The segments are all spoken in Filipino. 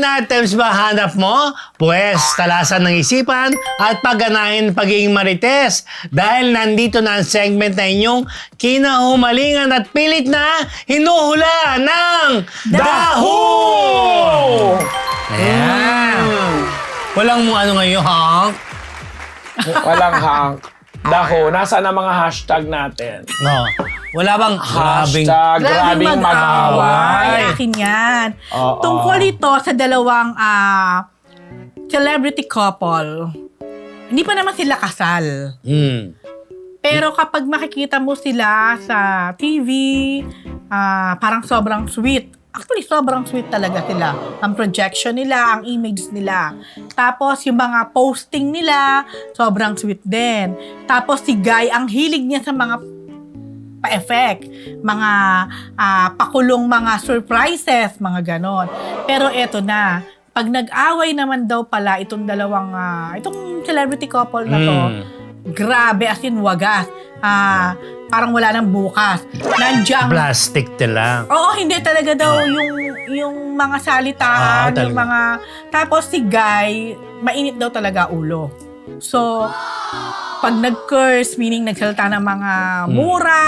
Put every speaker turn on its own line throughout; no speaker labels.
Line items ba hanap mo? Pwes, talasan ng isipan at pagganahin pagiging marites. Dahil nandito na ang segment na inyong kinahumalingan at pilit na hinuhula ng Daho! Ayan. Walang ano ngayon, Hank?
Walang Hank. Daho, nasaan ang mga hashtag natin?
No. Wala bang grabing...
Hashtag grabing mag-away.
Akin yan.
Oo.
Tungkol ito sa dalawang celebrity couple. Hindi pa naman sila kasal. Pero kapag makikita mo sila sa TV, parang sobrang sweet. Actually, sobrang sweet talaga sila. Ang projection nila, ang image nila. Tapos, yung mga posting nila, sobrang sweet din. Tapos, si Guy, ang hilig niya sa mga pa-effect, mga pakulong mga surprises, mga ganon. Pero eto na, pag nag-away naman daw pala itong dalawang, itong celebrity couple na to, grabe, as in wagas. Parang wala nang bukas. Nandiyan.
Plastic lang.
Oo, hindi talaga daw yung mga salitaan, yung mga... Tapos si Guy, mainit daw talaga ulo. So, pag nag-curse, meaning nagsalita ng mga mura,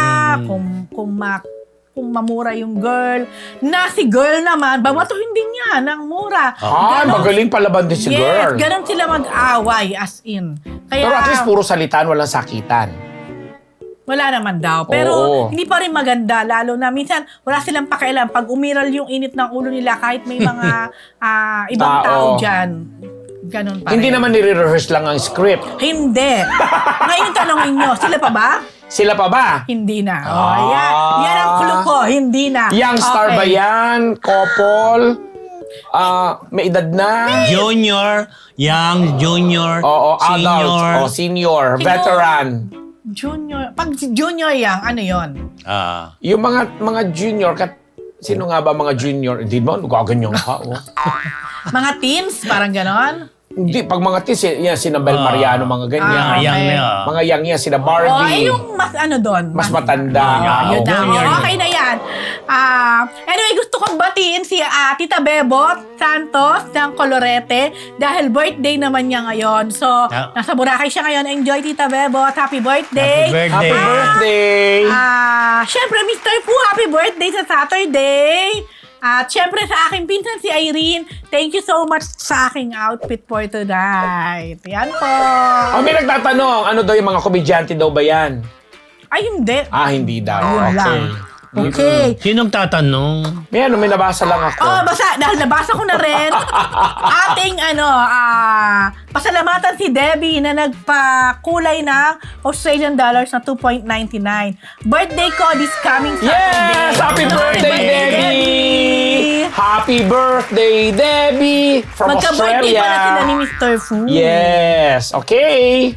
kung mamura yung girl, na si girl naman, bamatuhin din niya ng mura.
Magaling palaban din si girl.
Yes, ganun sila mag-away, as in. Kaya,
Pero at least puro salitaan, walang sakitan.
wala naman daw. Pero hindi pa rin maganda. Lalo na minsan wala silang pakialam. Pag umiral yung init ng ulo nila kahit may mga ibang tao dyan. Ganun pa
Hindi
rin.
naman nire-rehearse lang ang script.
Hindi. Ngayon tanongin nyo, sila pa ba?
Sila pa ba?
Hindi na. Yan ang clue ko. Hindi na.
Young star ba yan? Couple? May edad na?
Junior, young, junior,
Oo,
senior.
adult. Senior. Veteran.
Junior. Pag junior yang, ano yon?
Yung mga junior, sino nga ba mga junior? Hindi mo, gaganyan ka.
Mga teens, parang ganon.
Hindi, pag mga teens, yan, sina Bel Mariano, mga ganyan.
Young
okay.
na.
Mga young yan, sina
Oh,
Barbie.
yung mas ano doon?
Mas matanda.
Yun na.
junior.
Okay na yan. Anyway, gusto kong batiin si Tita Bebot Santos ng Colorete dahil birthday naman niya ngayon. So, nasa Boracay siya ngayon. Enjoy, Tita Bebot. Happy birthday.
Happy birthday.
Happy birthday!
Siyempre, Mr. Fu, happy birthday sa Saturday. At siyempre sa aking pinsan si Irene, thank you so much sa aking outfit for tonight. Yan po.
May nagtatanong, ano daw yung mga komedyante daw ba yan?
Ay, hindi.
Hindi daw.
Ayun
Okay.
lang. Okay.
Sinong tatanong?
May nabasa lang ako.
Dahil nabasa ko na rin, ating pasalamatan si Debbie na nagpakulay ng Australian dollars na 2.99. Birthday ko this coming Saturday.
Yes! Happy birthday, Debbie! Happy birthday, Debbie! From
Magka-birthday
Australia.
pala sila ni Mr. Fu.
Yes. Okay.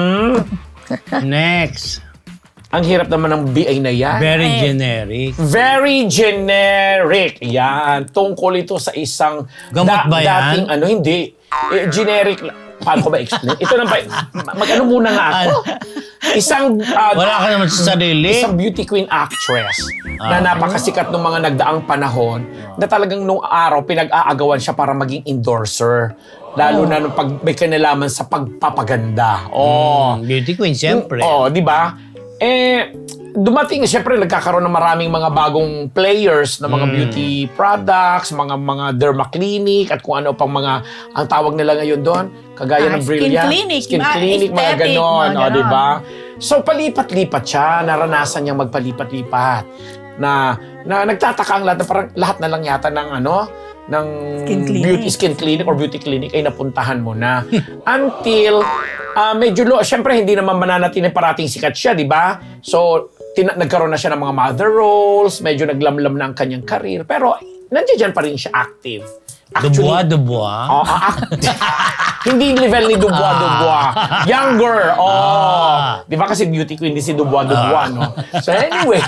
Next.
Ang hirap naman ng BA na yan.
Very generic.
Very generic. Yan. Tungkol ito sa isang...
Gamot ba yan?
Dating hindi. Generic. Paano ko ba explain? Ito na ba? Mag-ano muna nga ako? Isang...
Wala ka naman sa sarili.
Isang beauty queen actress na napakasikat nung mga nagdaang panahon na talagang nung araw pinag-aagawan siya para maging endorser. Lalo na nung may kinalaman sa pagpapaganda.
Beauty queen, siyempre.
Di ba? Dumating, siyempre nagkakaroon ng maraming mga bagong players na mga beauty products, mga derma clinic, at kung ano pang mga, ang tawag nila ngayon doon, kagaya ng Brilliant. Skin clinic, mga
aesthetic,
ganon.
mga ganon.
Di ba? So, palipat-lipat siya, naranasan niyang magpalipat-lipat. Na nagtataka ang lahat, na parang lahat na lang yata ng skin clinic or beauty clinic ay napuntahan mo na. Until, medyo syempre hindi naman mananatili parating sikat siya, di ba? So, nagkaroon na siya ng mga mother roles, medyo naglamlam na ang kanyang career, pero nandiyan pa rin siya active.
Dubois.
Hindi level ni Dubois. Younger. Di ba kasi beauty queen din si Dubois, no? So anyway,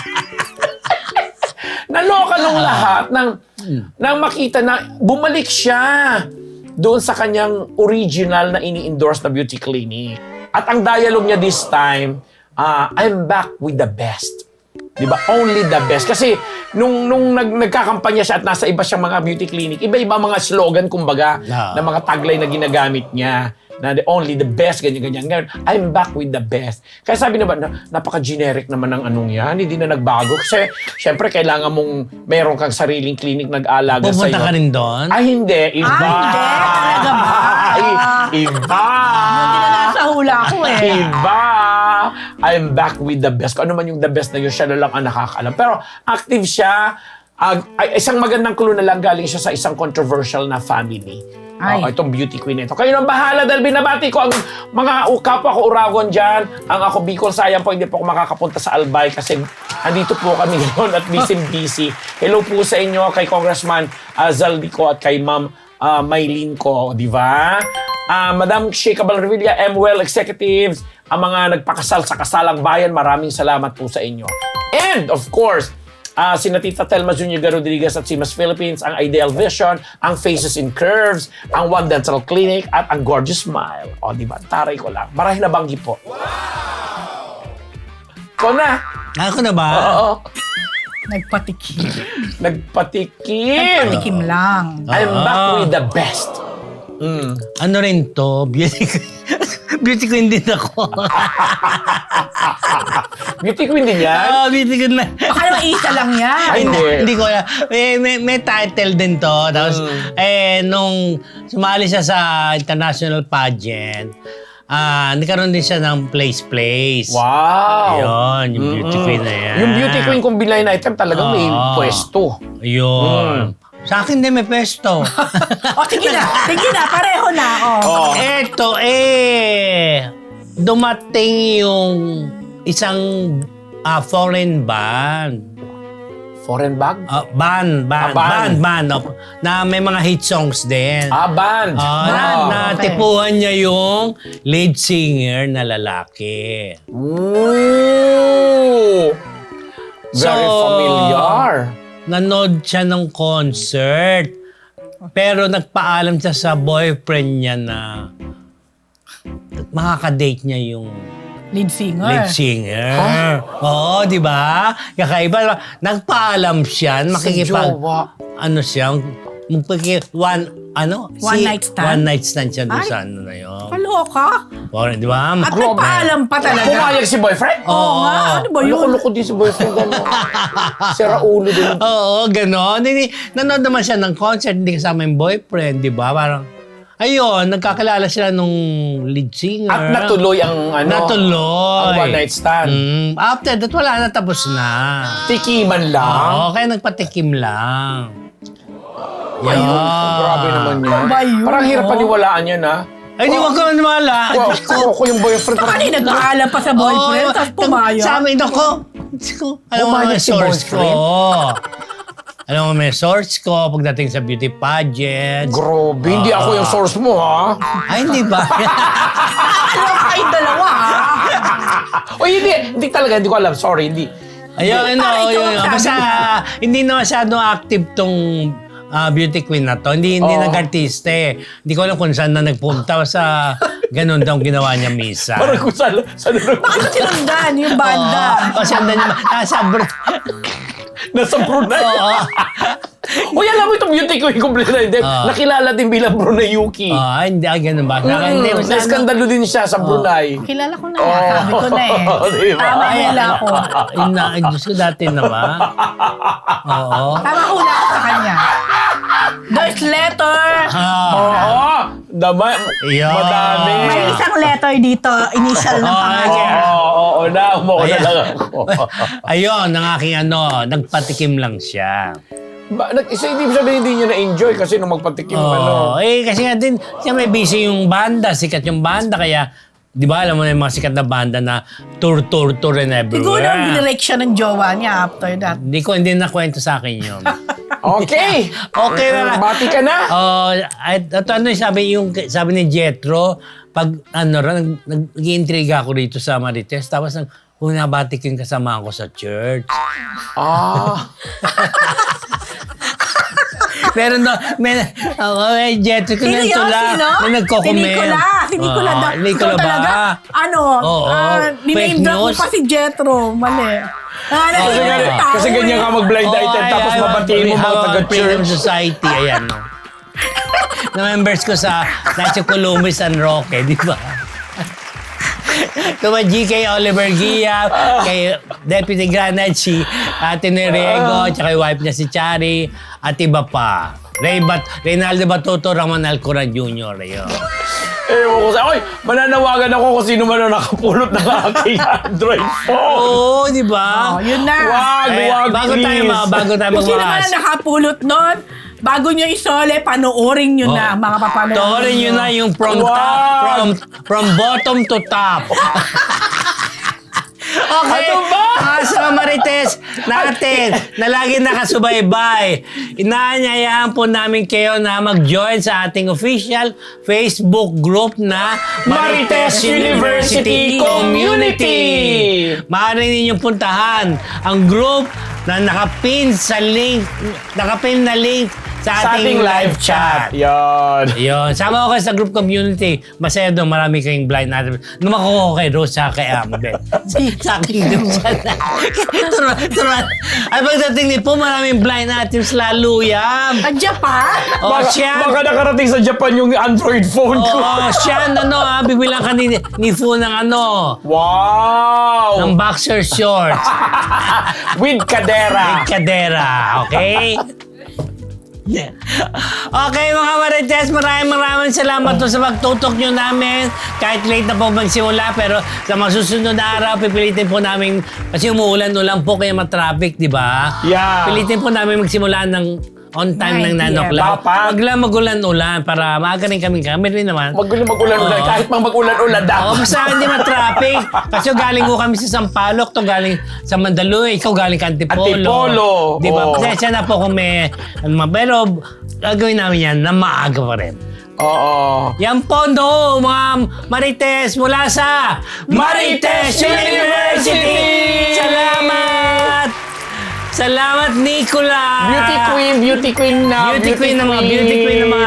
naloka nung lahat nang makita na bumalik siya doon sa kanyang original na ini-endorse na beauty clinic. At ang dialogue niya this time, I'm back with the best. Di ba? Only the best. Kasi nung nagkakampanya siya at nasa iba siyang mga beauty clinic, iba-iba mga slogan, kumbaga, na mga tagline na ginagamit niya. Na only the best, ganyan-ganyan. Ngayon, I'm back with the best. Kaya sabi naman, napaka-generic naman ng anong yan. Hindi na nagbago. Kasi, syempre, kailangan mong meron kang sariling clinic nag-aalaga sa'yo.
Pupunta ka rin doon?
Ay, hindi. Iba.
hindi. Talaga ba?
Ay, iba.
Hindi na nasa hula ko eh.
Iba. I'm back with the best. Kung ano man yung the best na yun, siya na lang ang nakakaalam. Pero active siya. Isang magandang clue na lang galing siya sa isang controversial na family. Itong beauty queen ito. Kayo nang bahala dahil binabati ko ang mga kapwa ko Uragon dyan. Ang ako Bicol, sayang po hindi po ako makakapunta sa Albay kasi andito po kami ngayon at busy. Hello po sa inyo kay Congressman Zaldico at kay Ma'am Maylin ko, di ba? Madam Sheikha Balrevilla, MWell Executives, ang mga nagpakasal sa Kasalang Bayan, maraming salamat po sa inyo. And of course, sina Tita Telma Zuniga Rodriguez at Simas Philippines, ang Ideal Vision, ang Faces in Curves, ang One Dental Clinic, at ang Gorgeous Smile. O, di ba? Taray ko lang. Marahil nabanggi po. Ikaw na.
Ako na ba?
Oo.
Nagpatikim.
Nagpatikim
lang.
I'm back with the best.
Ano rin to? Beauty queen din ako.
Beauty queen din yan?
Beauty queen na.
Baka naman isa lang yan.
Ay,
Hindi ko alam. May title din to. Tapos, nung sumali siya sa international pageant, nagkaroon din siya ng place.
Wow!
Ayun, yung beauty queen na yan.
Yung beauty queen kung blind item talagang may pwesto.
Ayun. Sa akin din may pwesto.
Sige na, pareho na.
Eto dumating yung isang foreign band.
Foreign bag?
Band. Na may mga hit songs din.
Band.
Natipuhan niya yung lead singer na lalaki.
Ooh! Very familiar.
Nanood siya ng concert. Pero nagpaalam siya sa boyfriend niya na makakadate niya yung
Lead singer.
Oo, di ba? Kakaiba. Nagpaalam siya.
jowa.
One night stand?
One night stand siya doon sa ano na yun.
Kaloka.
Di ba?
At nagpaalam pa talaga.
Pumayag si boyfriend?
Oo nga. Ano ba yun?
Loko-loko din si boyfriend. Sira ulo din.
Oo, gano'n. Nanood naman siya ng concert, hindi kasama yung boyfriend, di ba? Parang, ayun, nagkakilala sila nung lead singer.
At natuloy ang
Natuloy.
ang one night stand.
After that, wala na, tapos na.
Tikiman lang.
Oo, kaya nagpatikim lang.
Ayun. Grabe naman yan.
Ayun.
Parang hirap paniwalaan yan, ha?
Ay, di wag ka maniwala.
Ako yung boyfriend.
Kanina nagpaalam pa sa boyfriend, tapos pumayag.
Sabi ako, alam mo
Pumayag
may
si
source ko.
boyfriend?
Alam mo may source ko pagdating sa beauty pageant.
Grabe, hindi ako yung source mo, ha?
Ay, hindi ba?
Ano kayong dalawa, ha?
O hindi talaga, hindi ko alam. Sorry, hindi.
Ayun,
Parang ikaw ang sabi
basta hindi na masyadong active tong beauty queen na to. Hindi nag-artista eh. Hindi ko alam kung saan na nagpunta. Basta ganun daw ginawa niya misa.
Parang kung saan
Bakit sinundan yung banda?
Kasi andan niya,
nasa Brunei.
Oo.
Uy, alam mo itong beauty queen complete na hindi. Nakilala din bilang Brunei Yuki.
Hindi, ganun ba? Hindi,
Na-skandalo din siya sa Brunei.
Kilala ko na yan. Sabi ko na eh.
Diba?
Tama hula ko.
Diyos ko dati na ba? Oo.
Tama hula ko sa kanya. There's letter.
Oo.
Yeah.
Madami.
May isang letter dito. Initial ng pangalan.
Oo, umuo na lang ako.
Ayun, ang aking nagpatikim lang siya.
Hindi sabihin hindi niya na-enjoy kasi nung magpatikim
Kasi nga din, siya may busy yung banda, sikat yung banda, kaya, di ba, alam mo na yung mga sikat na banda na tour and everywhere.
Siguro binirek siya ng jowa niya after that.
Hindi na kwento sa akin yun.
Okay.
Okay na.
Bati ka na.
Sabi ni Jetro, pag nag-iintriga ako rito sa Marites, tapos nabati ko yung kasama ko sa church. Pero may Jetro ko na tula. May nagko-comment.
Si Nicola.
Nicola ba?
Niname drop mo pa si Jetro. Mali.
Kasi ganyan ka mag-blind item tapos mabatiin mo mga
Freedom
taga-church.
Society, ayan, no. Na members ko sa Nacho Columbus San Roque, di ba? Kuma GK Oliver Gia, kay Deputy Granad si Ate Neriego, tsaka yung wife niya si Chari, at iba pa. Reynaldo Batuto, Ramon Alcoran Jr. Ayun.
Ewan ko sa... Oy, mananawagan ako kung sino man ang nakapulot ng aking Android phone.
Oo, di ba?
Yun na.
Wag,
Bago tayo
Kung sino man
magmakas.
ang nakapulot nun, bago nyo isole, panoorin nyo na, mga papanood.
Toorin nyo na yung from bottom to top. Okay.
Ano ba?
Mga sa Marites natin na lagi nakasubaybay, inaanyayahan po namin kayo na mag-join sa ating official Facebook group na
Marites University Community.
Maaari ninyong puntahan ang group na nakapin na link sa ating live chat.
Yan.
Yun. Sama ko kayo sa group community. Masaya doon. Marami kayong blind natin. Numakuha ko kay Rose sa kay Amabel. Sa aking group chat. Turuan. Ay, pagdating ni po, maraming blind items lalo yan.
Andiyan pa?
O,
Baka
siya.
nakarating sa Japan yung Android phone ko.
Siya, bibilang ka ni Fu ng
Wow!
ng boxer shorts.
With kadera.
Kadera. Okay? Okay mga Marites, maraming salamat po sa pagtutok nyo namin. Kahit late na po magsimula, pero sa mga susunod na araw, pipilitin po namin, kasi umuulan-ulan po kaya matraffic, di ba?
Yeah.
Pilitin po namin magsimula ng on time ng
9
9 o'clock.
Dapat.
Wag lang magulan-ulan para maaga rin kami rin naman.
Magulan-ulan.
Oo.
Kahit mang magulan-ulan
Oo,
dapat.
basta hindi ma-traffic. Kasi galing ko kami sa Sampaloc, to galing sa Mandaluyong, ikaw galing ka Antipolo.
Antipolo.
Di ba?
Oo.
Pasensya na po kung may... Pero gagawin namin yan na maaga pa rin.
Oo.
Yan po, no, mga Marites mula sa Marites University! Salamat! Salamat, Nicola!
Beauty queen na.
Beauty queen ng mga